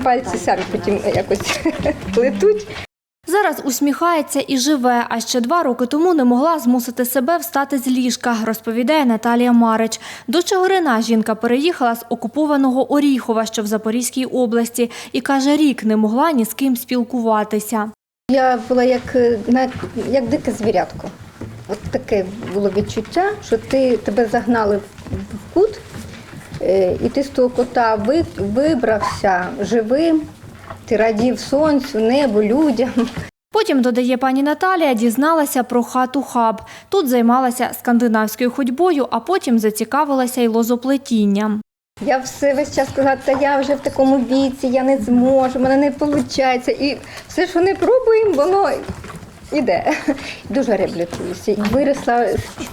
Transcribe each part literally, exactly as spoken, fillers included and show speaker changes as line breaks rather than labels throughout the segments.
пальці самі потім якось плетуть.
Зараз усміхається і живе, а ще два роки тому не могла змусити себе встати з ліжка, розповідає Наталія Марич. До Чигирина жінка переїхала з окупованого Оріхова, що в Запорізькій області, і каже, рік не могла ні з ким спілкуватися.
Я була як, як дике звірятко. От таке було відчуття, що ти, тебе загнали в кут, і ти з того кота вибрався живим, ти радів сонцю, небу, людям.
Потім, додає пані Наталія, дізналася про хату «Хаб». Тут займалася скандинавською ходьбою, а потім зацікавилася й лозоплетінням.
Я все весь час сказала, та я вже в такому віці, я не зможу, в мене не виходить. І все, що не пробуємо, воно йде. Дуже реабілітуюся. Виросла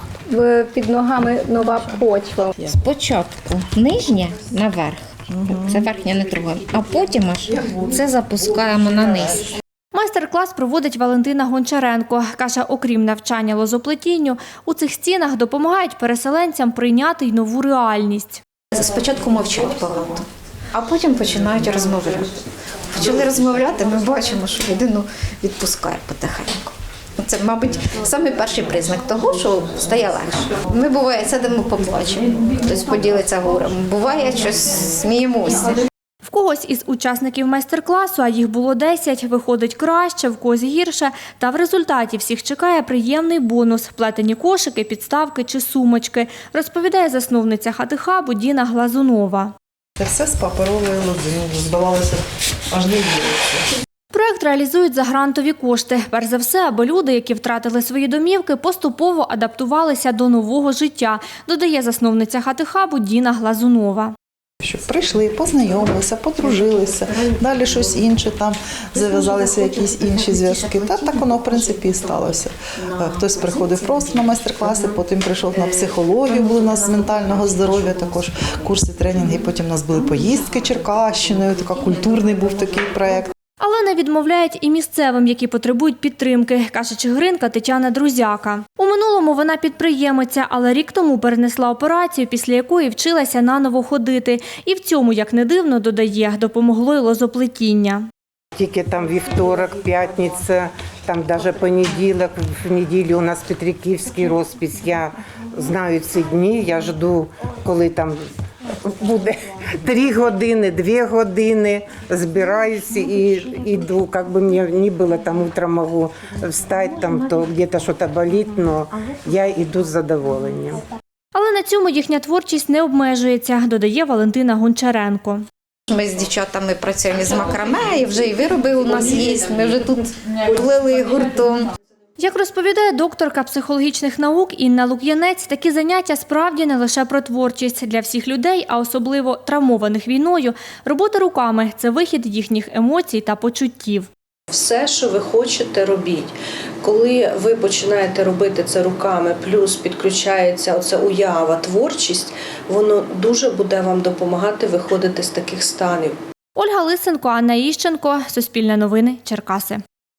під ногами нова почва.
Спочатку нижня наверх, це верхня не трогаємо, а потім аж це запускаємо на низ.
Майстер-клас проводить Валентина Гончаренко. Каже, окрім навчання лозоплетінню, у цих стінах допомагають переселенцям прийняти й нову реальність.
Спочатку мовчать багато, а потім починають розмовляти. Почали розмовляти, ми бачимо, що людину відпускає потихеньку. Це, мабуть, самий перший признак того, що стає легше. Ми, буває, сидимо, поплачемо, хтось поділиться горем. Буває, щось сміємося.
В когось із учасників майстер-класу, а їх було десять, виходить краще, в когось гірше. Та в результаті всіх чекає приємний бонус – плетені кошики, підставки чи сумочки, розповідає засновниця хати «Хабу» Діна Глазунова.
Це все з паперової лози, здавалося, аж не віриться.
Проект реалізують за грантові кошти. Перш за все, аби люди, які втратили свої домівки, поступово адаптувалися до нового життя, додає засновниця хати «Хабу» Діна Глазунова.
Щоб прийшли, познайомилися, подружилися, далі щось інше, там зав'язалися якісь інші зв'язки. Та так воно, в принципі, і сталося. Хтось приходив просто на майстер-класи, потім прийшов на психологію, були у нас з ментального здоров'я, також курси, тренінги, потім у нас були поїздки Черкащиною, така культурний був такий проєкт.
Але не відмовляють і місцевим, які потребують підтримки, каже чигиринка Тетяна Друзяка. У минулому вона підприємиця, але рік тому перенесла операцію, після якої вчилася наново ходити. І в цьому, як не дивно, додає, допомогло й лозоплетіння.
Тільки там вівторок, п'ятниця, там навіть понеділок, в неділю у нас Петриківський розпис. Я знаю ці дні, я жду, коли там буде три години, дві години, збираюся і йду. Як би мені не було, там утром можу встати, там, то где-то щось болить, але я йду з задоволенням.
Але на цьому їхня творчість не обмежується, додає Валентина Гончаренко.
Ми з дівчатами працюємо з макраме, і вже і вироби у нас є, ми вже тут плели гуртом.
Як розповідає докторка психологічних наук Інна Лук'янець, такі заняття справді не лише про творчість. Для всіх людей, а особливо травмованих війною, робота руками – це вихід їхніх емоцій та почуттів.
Все, що ви хочете, робіть. Коли ви починаєте робити це руками, плюс підключається оця уява, творчість, воно дуже буде вам допомагати виходити з таких станів.
Ольга Лисенко, Анна Іщенко, Суспільне новини, Черкаси.